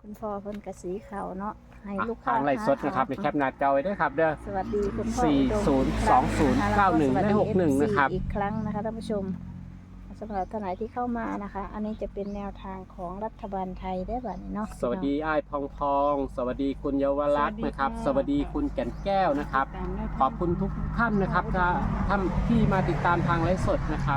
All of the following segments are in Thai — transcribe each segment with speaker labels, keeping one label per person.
Speaker 1: คุณพ่อเพิ่นกะสีขาวเนาะให้ลูกค้า
Speaker 2: ทางไลฟ์สดนะครับในแคปหน้าจอไว้ด้วยครับเด้อ
Speaker 1: สวัสดีคุณพ่อ
Speaker 2: 402091นะครับ
Speaker 1: อีกครั้งนะคะท่านผู้ชมสำหรับท่านไหนที่เข้ามานะคะ อันนี้จะเป็นแนวทางของรัฐบาลไทยได้บัดนี้เนาะ
Speaker 2: สวัสดีอ้ายพองพองสวัสดีคุณเยาวรักษ์นะครับ สวัสดีคุณแก่นแก้วนะครับ ขอบคุณทุกท่านนะครับท่านที่มาติดตามทางไลฟ์สดนะครับ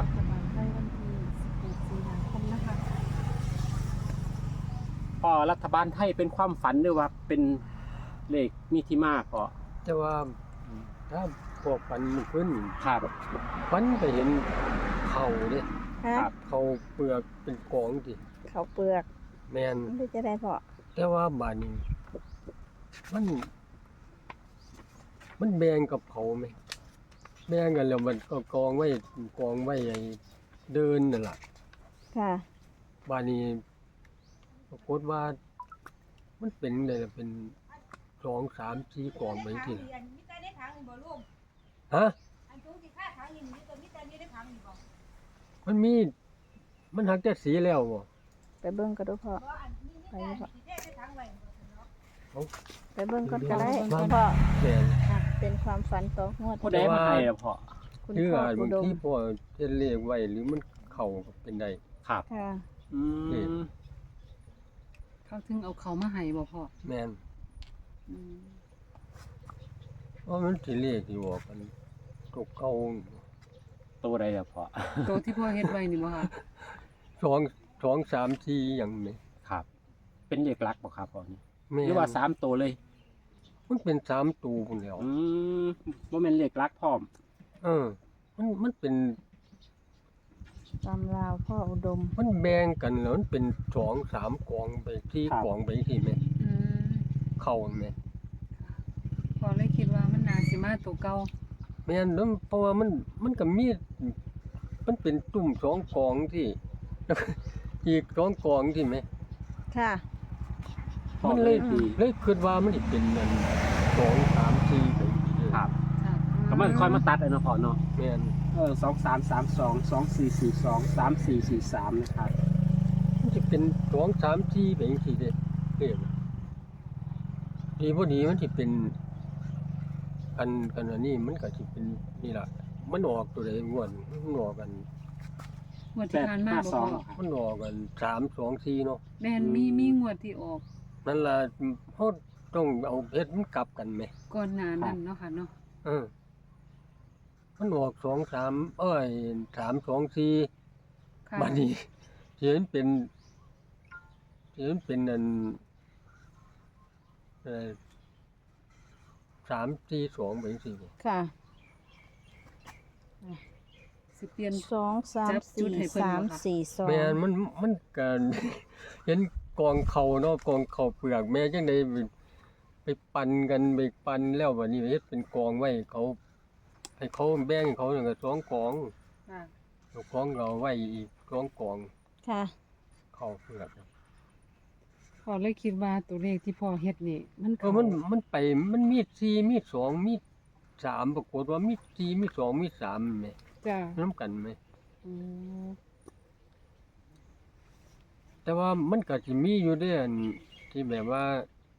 Speaker 2: พอรัฐบาลไทยเป็นความฝันหรือว่าเป็นเลขมีที่มากพอ
Speaker 3: แต่ว่าถ้าพวกฟันมันขึ้น
Speaker 2: ครับ
Speaker 3: ฟันไปเห็นเข่าเนี่ย
Speaker 1: ฮะ
Speaker 3: เขาเปลือกเป็นกองดิ
Speaker 1: เขาวเปลือก
Speaker 3: แมน
Speaker 1: มันจะได้พอ
Speaker 3: แต่ว่าบานนี้มันแบ่งกับเขาไหมแบ่งกันแล้วมันก็กองไว้ไอ้เดินนั่นแหละ
Speaker 1: ค่ะ
Speaker 3: บานนี้ปรากฏว่ามันเป็นเลยล่ะเป็น2 3 4กองไปทีละฮะมันหักแต่สีแล้วบ่
Speaker 1: ไปเบิ่งก็ดูพ่อไปอยู่พ่อ
Speaker 3: เอา
Speaker 1: ไปเบิ่งก็ได้
Speaker 3: บ้าน
Speaker 1: พ่อ
Speaker 3: แม่น
Speaker 1: อ่ะเป็นความฝันต่องวด
Speaker 2: ผู้ใดมาให้ล่ะพ่อ
Speaker 1: คุณ
Speaker 3: หรือ
Speaker 1: พ่อ
Speaker 3: อาจ
Speaker 1: อุ
Speaker 3: บาง
Speaker 1: ดม
Speaker 3: ทีพ่อเฮ็ดเลขไว้หรือมันเข้าก็เป็นได้
Speaker 2: ครับ
Speaker 1: ค่ะ
Speaker 2: อืม
Speaker 4: เขาถึงเอาเขามาให้บ่พ่อ
Speaker 3: แม่น
Speaker 4: อืม
Speaker 3: เพราะมันสิเลขที่บอกกันตกเก่า
Speaker 2: ตัวใดล่ะพ่อ
Speaker 4: ตัวที่พ่อเฮ็ดไว้นี่บ่ค่ะ
Speaker 3: 2 3 4หยังนี่
Speaker 2: ครับ เป็นเลขลักบ่ครับพ่อนี่
Speaker 3: แม่น
Speaker 2: หรือว่า3ตัวเลย
Speaker 3: มันเป็น3ตัวพุ่นแล้ว
Speaker 2: บ่แม่นเลขลักพร้อม
Speaker 3: มันเป็น
Speaker 1: ตำราวพ่ออุดม
Speaker 3: มันแบ่งกันแล้วมันเป็น2 3กองไป4กองไปที่แม่
Speaker 4: อืม
Speaker 3: เข้าแม่
Speaker 4: พ่อเลยคิดว่ามันน่าสิมาตัวเก่า
Speaker 3: แม่นแล้วเพราะว่ามันก็มีมันเป็นตุ่ม2กองที่แล้วก็อีก2กองที่แม่
Speaker 1: ค่ะ
Speaker 2: พ่อ
Speaker 3: มัน
Speaker 2: เล
Speaker 3: เลย
Speaker 2: ขดี
Speaker 3: คิดว่ามันสิเป็นอัน2 3 4ไปเรื่อย
Speaker 2: ครับ
Speaker 4: ค่ะ
Speaker 2: ก็มันค่อยมาตัดเอาเนาะพ่อเนาะ
Speaker 3: แม่น
Speaker 2: 2332 2442 3443นะครับ
Speaker 3: มันสิเป็น2 3 4ไปจังซี่เด้เด้ดีบ่ดีมันสิเป็นอันนี้มันก็สิเป็นนี่ล่ะมันออกตัวใดงวดมันออกกัน
Speaker 4: งวดที่ผ่านมาบ่พ่อ
Speaker 2: 852
Speaker 3: มันออกกัน3 2 4เนาะ
Speaker 4: แม่นมีงวดที่ออก
Speaker 3: นั่นล่ะเฮาต้องเอาเฮ็ดมันกลับกันแหม
Speaker 4: ก่อนหน้านั้นเนาะค่ะเนาะ
Speaker 3: มันออก2 33 2 4
Speaker 4: ค่ะ
Speaker 3: บัดนี้เห็นเป็นอัน3 4 2ไปจังซี่บ่
Speaker 1: ค่ะ
Speaker 4: สิเปลี่ยน
Speaker 1: 2
Speaker 4: จับ
Speaker 1: 3
Speaker 4: จุดให้
Speaker 1: 4
Speaker 4: เพิ่นบ่คะ
Speaker 1: 3 4
Speaker 3: แม่น
Speaker 1: 2
Speaker 3: มันก็ เห็นกองเขาเนาะกองเขาเปลือกแม่จังได๋ไปปั่นกันไปปั่นแล้วบัดนี้เฮ็ดเป็นกองไว้เขาให้เขาแบ่งให้เขานั่นก็2กอง
Speaker 4: ค่ะ
Speaker 3: เจ้าของเราไว้อีก2กอง
Speaker 1: ค่ะ
Speaker 3: เข้าเปลือก
Speaker 4: พ่อเลยคิดว่าตัวเลขที่พ่อเฮ็ดนี่มัน
Speaker 3: เออมันไปมันมี4มี2มี3ปรากฏว่ามี4มี2มี3แหม
Speaker 4: จ้ะ
Speaker 3: นํกันแหม
Speaker 4: อืม
Speaker 3: แต่ว่ามันก็สิมีอยู่เด้อันที่แบบว่า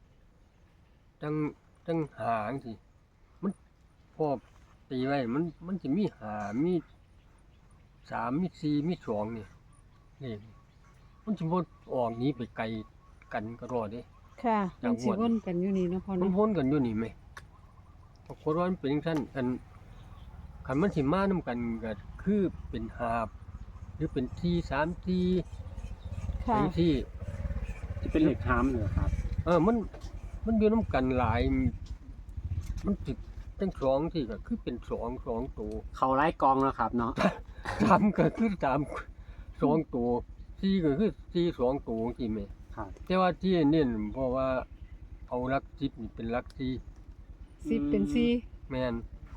Speaker 3: จังหาจังซี่มันพอตีไว้มันสิมี5มี3มี4มี2นี่นี่มันสิบ่ออกหนีไปไกลกันก็รอดเด้
Speaker 1: ค่ะ
Speaker 4: มันสิวนกันอยู่นี่เนาะพ่อ
Speaker 3: มัน
Speaker 4: เนาะ
Speaker 3: วนกันอยู่นี่แหมปรากฏว่ามันเป็นจังซั่นคันมันสิมานํกันก็คือเป็นหาบหรือเป็น4 3 4
Speaker 1: ค่ะ
Speaker 3: จังซี่
Speaker 2: จะเป็นเลขหามเหรอครับ
Speaker 3: มันอยู่นํกันหลาย มันสิจัง2ที่ก็คือเป็น2ตัว
Speaker 2: เขาไล่กองแล้วครับเนาะ
Speaker 3: 3ก็คือ3 2ตัว4ก็คือ4 2ตัวจังซี่แหม
Speaker 2: ครับ
Speaker 3: แต่ว่าที่เน้นเพราะว่าเอาหลัก10นี่เป็นหลัก4
Speaker 4: 10เป็น4
Speaker 3: แม่น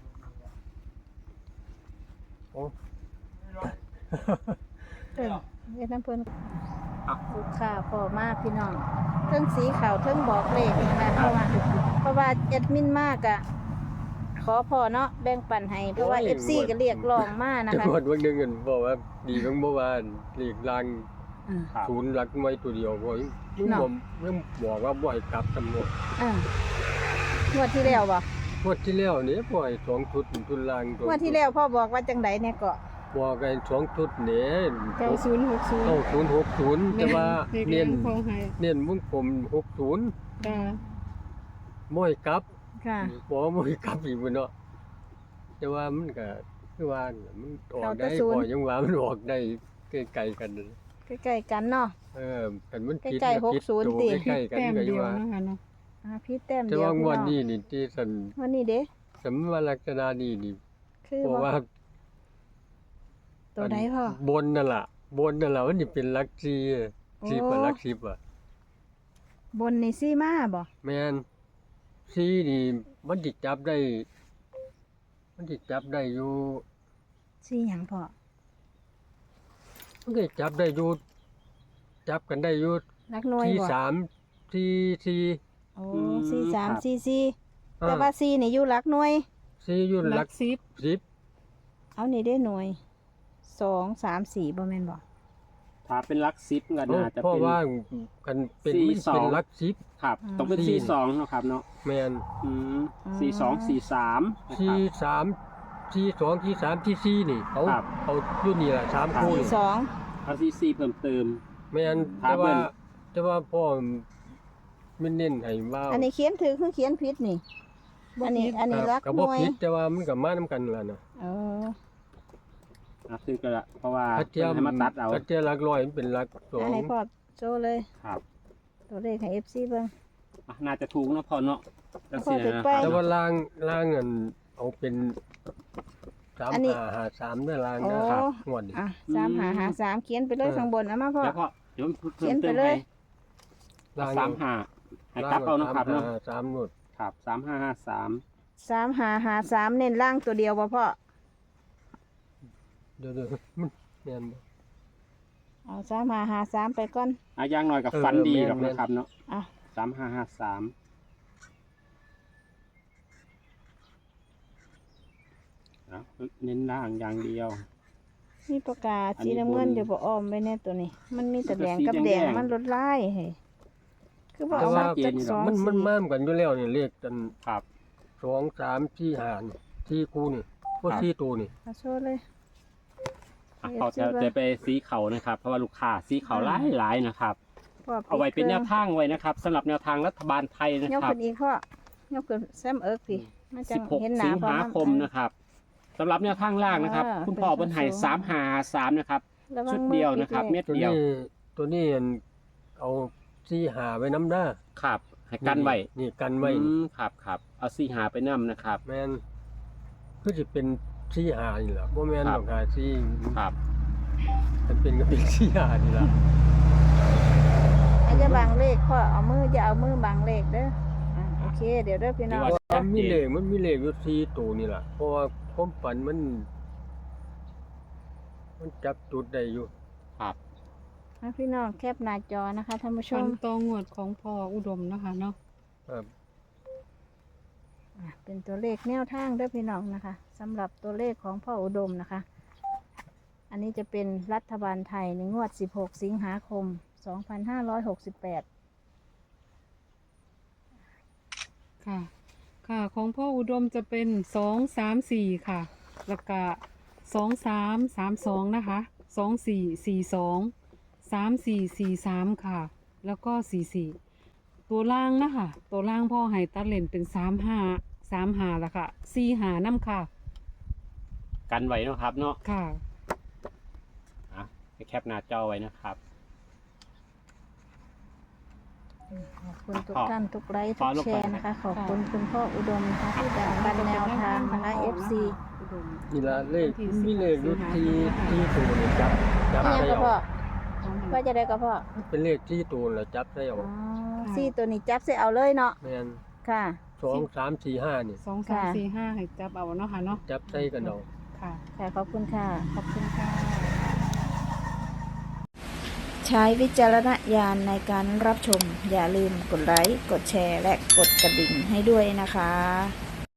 Speaker 3: โอ้
Speaker 1: เฮ็ดน้ำเพิ่นลูกค้าพ่อมากพี่น้องเทิงสีขาวเทิงบอกเลขนะคะเพราะว่าแอดมินมากอะขอพ่อเนาะแบ่งปันให้เพราะว่า FC ก็เรียกร้องมานะ
Speaker 3: จัง
Speaker 1: คะ
Speaker 3: หวัดวันหนึงกันบอกว่าดีของเมื่อวานเรียกลัง
Speaker 1: อ่า
Speaker 2: ครับ
Speaker 3: ศูนย์หลักหน่วยตัวเดียวบ่มึง
Speaker 1: เนาะ
Speaker 3: ยังบอกว่าบ่ให้กลับตำรวจ
Speaker 1: อ่างวดที่แล้วบ่
Speaker 3: งวดที่แล้วนี่บ่ให้2ชุดทุนล่างตัว
Speaker 1: งวดที่แล้วพ่อบอกว่าจังไดเนี่ยก็
Speaker 3: บอกให้2ชุดนี่
Speaker 4: 9060
Speaker 3: 9060แต่ว่า
Speaker 4: เลข
Speaker 3: เน้น
Speaker 4: พอให้
Speaker 3: เน้นวงกลม60
Speaker 4: จ้า
Speaker 3: บ่ให้กลับ
Speaker 1: ค่ะ
Speaker 3: บ่ให้กลับอีกบ่เนาะแต่ว่ามันก็คือว่ามันออกได้
Speaker 1: เอาแต่ศูนย์
Speaker 3: บ่ยังว่ามันออกได้ไกลๆกันนั่น
Speaker 1: ใกล้ๆกันเนาะ
Speaker 3: กันมันผิด
Speaker 1: ใกล้ๆ
Speaker 3: ก็ผิด
Speaker 1: 60
Speaker 3: ตัว
Speaker 1: ติ
Speaker 3: ใกล้ๆกัน
Speaker 4: แต้ม
Speaker 3: ก็อ
Speaker 4: เดี
Speaker 3: ยู่
Speaker 4: ยว
Speaker 3: ว่า
Speaker 4: นะคะเนาะ
Speaker 1: พี่แต้ม
Speaker 3: แต่
Speaker 1: เดียว
Speaker 3: ว่างวด
Speaker 1: พี่
Speaker 3: นี้
Speaker 1: น้อง
Speaker 3: นี่ที่สัน
Speaker 1: วันนี้เด้
Speaker 3: สำว่าลักษณะนี้นี่
Speaker 1: คือ
Speaker 3: เพราะ
Speaker 1: ว่า
Speaker 3: ว่า
Speaker 1: ตัวใดพ่อบ
Speaker 3: นนั่นล่ะมันสิเป็นลักซี
Speaker 1: โอ้
Speaker 3: 10กับลัก10อ่ะ
Speaker 1: บนนี่ซี่มาบ่
Speaker 3: แม่นซีนี่มันสิจับได้อยู่
Speaker 1: ซี่หยังพ่อ
Speaker 3: มันก็จับได้อยู่จับกันได้อยู่
Speaker 1: นักหน่วย
Speaker 3: ที่
Speaker 1: บ่
Speaker 3: 3ที่4
Speaker 1: โอ้
Speaker 2: อืม
Speaker 1: ซี่สาม
Speaker 2: ครับ
Speaker 1: ซี่สี่แต่ว่าซี่นี่อยู่หลักหน่วย
Speaker 3: 4อยู่
Speaker 4: ห
Speaker 3: ลั
Speaker 4: ลั
Speaker 3: ก
Speaker 4: ก10
Speaker 3: 10
Speaker 1: เอานี่ได้หน่วย2 3 4บ่แม่นบ่
Speaker 2: ถ้าเป็นลักซิปก็น่าจะ
Speaker 3: เพราะ
Speaker 2: เป็น
Speaker 3: ว่ากันเป็น
Speaker 2: สี่
Speaker 3: มัน
Speaker 2: สอง
Speaker 3: เป็นลัก10
Speaker 2: ครับต้องเป็น
Speaker 3: สี่
Speaker 2: 42เนาะครับเนาะ
Speaker 3: แม่น
Speaker 2: 4243นะค
Speaker 3: ที่
Speaker 2: รับ
Speaker 3: 3ที่2ที่3ที่4นี่เขา
Speaker 2: ครับ
Speaker 3: เอาอยู่นี่ล่ะ3คู่นี่
Speaker 1: 42
Speaker 2: เอา44เพิ่มเติม
Speaker 3: แม่น
Speaker 2: ถามเพิ่น
Speaker 3: แต่ว่าพ่อมันเน้นให้ว่า
Speaker 1: อันนี้เขียนถือคือเขียนผิดนี่ อันนี้รัก
Speaker 3: ก็
Speaker 1: ห
Speaker 3: บ่
Speaker 1: น่วย
Speaker 3: ผิดแต่ว่ามันก็มานํกันล่ะนะ
Speaker 1: เออ
Speaker 2: คือก็ละเพราะว่า
Speaker 3: ถ้าเทีย
Speaker 2: เพิ่นให้มาตัดเอา
Speaker 3: ถ้าเทียหลักร้อยมันเป็นหลักสอง
Speaker 1: ให้พ่อโชว์เลย
Speaker 2: ครับ
Speaker 1: ตัวเลขให้ FC เบิ่ง
Speaker 2: น่าจะถูกเนาะพอเนาะจัง
Speaker 1: พอ
Speaker 2: ซี่
Speaker 1: ถูก
Speaker 2: นะ
Speaker 1: ไป
Speaker 3: แต่ว่าล่างอันเอาเป็น
Speaker 1: อันนี้
Speaker 3: 3553ด้วยล่าง
Speaker 1: โอ้
Speaker 3: นะครับงวดนี้
Speaker 1: อ่ะ3553เขียนไปเลยข้างบนเอามาพ่อ
Speaker 2: แล้วก็เดี๋ยวเพิ่
Speaker 1: เขีย
Speaker 2: ม
Speaker 1: นไป
Speaker 2: เติม
Speaker 1: เล
Speaker 2: ให้
Speaker 1: ย
Speaker 3: ล่าง
Speaker 2: 35ให้กลับเอาเนาะครับเนาะ
Speaker 3: 3งวด
Speaker 2: ครับ3553
Speaker 1: 3553เน้นล่างตัวเดียวบ่พ่อ
Speaker 3: เดี๋ยวมันแม่นบ่
Speaker 1: เอา3553ไปก่อน
Speaker 2: อย่างน้อยกับฟันดี
Speaker 3: แม่น
Speaker 2: หรอกนะครับเนาะ
Speaker 1: อ่ะ
Speaker 2: 3553เน้นล่างอย่างเดียว
Speaker 1: มีประกาศ
Speaker 2: อัน
Speaker 1: สี
Speaker 2: นี้
Speaker 1: น้ำเงิน
Speaker 2: บน
Speaker 1: อยู่บ่อ้อมไว้แน่ตัวนี้ มันมีแต่แดงกับ
Speaker 2: สี
Speaker 1: แด
Speaker 2: แด
Speaker 1: ง
Speaker 2: ง
Speaker 1: มันลดลายเฮ้ยคือบ่
Speaker 2: แต่
Speaker 1: เอา
Speaker 2: ว่า
Speaker 1: มาจากสอง
Speaker 3: มัน
Speaker 1: สี
Speaker 3: มาเหมือนกันอยู่แล้วนี่เลขกัน
Speaker 2: ครับ
Speaker 3: 2 3 4 5นี่ที่คู่นี่พวก
Speaker 2: ครับ
Speaker 3: ที่ตัวนี่
Speaker 1: เอาโชว์เลย
Speaker 2: พอจะไปสีเขานะครับ เพราะว่าลูกค้าสีเขาหลายๆนะครับ
Speaker 1: พ่อ
Speaker 2: เอาไว้เป็นแนวทางไว้นะครับสำหรับแนวทางรัฐบาลไทยนะ
Speaker 1: ยก
Speaker 2: ครับ
Speaker 1: ขึ้นอีกพ่อยกขึ้นแซมเอิร์กพี่มันจะเห็นห
Speaker 2: 16
Speaker 1: น้า
Speaker 2: สิง
Speaker 1: พ่อ
Speaker 2: หาคมนะครับสำหรับแนวทางล่างนะครับ คุณพ่อบนไห่353นะครับ
Speaker 1: ระวัง
Speaker 2: ชุดเดียวนะครับ
Speaker 1: มือ
Speaker 2: เม็ด
Speaker 3: ตัว
Speaker 2: เดียว
Speaker 3: นี้ตัวนี้เอา4 5ไว้น้ำด้า
Speaker 2: ครับให้กันไว้
Speaker 3: นี่กันไว้
Speaker 2: ครับเอาสีหาไปนํนะครับ
Speaker 3: แม่นคือสิเป็น4 5นี่ล่ะบ่แม่น
Speaker 2: ครับ
Speaker 3: ดอกหา4
Speaker 2: ครับ
Speaker 3: มันเป็นก็เป็น4 5นี่ล่ะ
Speaker 1: อาจจะบังเลขพ่อเอามืออย่าเอามือบังเลขเด้ออ่ะโอเค เดี๋ยวเด้อพี่น้อง
Speaker 3: มันมีเลขอยู่4ตัวนี่ล่ะเพราะว่าความฝันมันจับจุดได้อยู่
Speaker 2: ครับ
Speaker 1: ให้พี่น้องแคปหน้าจอนะคะท่านผู้ช
Speaker 4: ฟั
Speaker 1: ม
Speaker 4: นตองวดของพ่ออุดมนะคะเนาะ
Speaker 3: ครับ
Speaker 1: เป็นตัวเลขแนวทางเด้อพี่น้องนะคะสำหรับตัวเลขของพ่ออุดมนะคะ อันนี้จะเป็นรัฐบาลไทยในงวด 16 สิงหาคม 2568
Speaker 4: ค่ะ ค่ะของพ่ออุดมจะเป็น234ค่ะแล้วก็2332นะคะ2442 3443ค่ะแล้วก็44ตัวล่างนะคะตัวล่างพ่อให้ตัดเลนเป็น35แล้วค่ะ45น้ำค่ะ
Speaker 2: กันไว้เนาะครับเนาะ
Speaker 4: ค่ะ
Speaker 2: ให้แคปหน้าจอไว้นะครับ
Speaker 1: ขอบคุณทุก
Speaker 2: ขอ
Speaker 1: ท่านทุกไลค์
Speaker 2: ข
Speaker 1: ทุ
Speaker 2: อก ลง
Speaker 1: แช
Speaker 2: ไป
Speaker 1: ร์นะคะ ขอบคุณคุณพ่ออุดมนะคะที่แบ่งปันแนวทางนะคะ FC
Speaker 3: นี่ล่ะเลขมีเลขอยู่ที่ตัวนี่จับ
Speaker 1: นี่ยัง
Speaker 3: ได้
Speaker 1: ก็พ่อ
Speaker 3: เอา
Speaker 1: ว่าจะได้ก็พ่อ
Speaker 3: เป็นเลขที่ตัวแล้วจับได้เอา
Speaker 1: อ๋อซี่ตัวนี้จับใส่เอาเลยเนาะ
Speaker 3: แม่น
Speaker 1: ค่ะ
Speaker 3: 2 3 4 5นี่
Speaker 4: 2345ให้จับเอาเนาะค่ะเนาะ
Speaker 3: จับใส่กันเอา
Speaker 4: ค่ะ
Speaker 1: ค่ะ ขอบคุณค่ะ
Speaker 4: ขอบคุณค่ะ
Speaker 1: ใช้วิจารณญาณในการรับชม อย่าลืมกดไลค์ กดแชร์ และกดกระดิ่งให้ด้วยนะคะ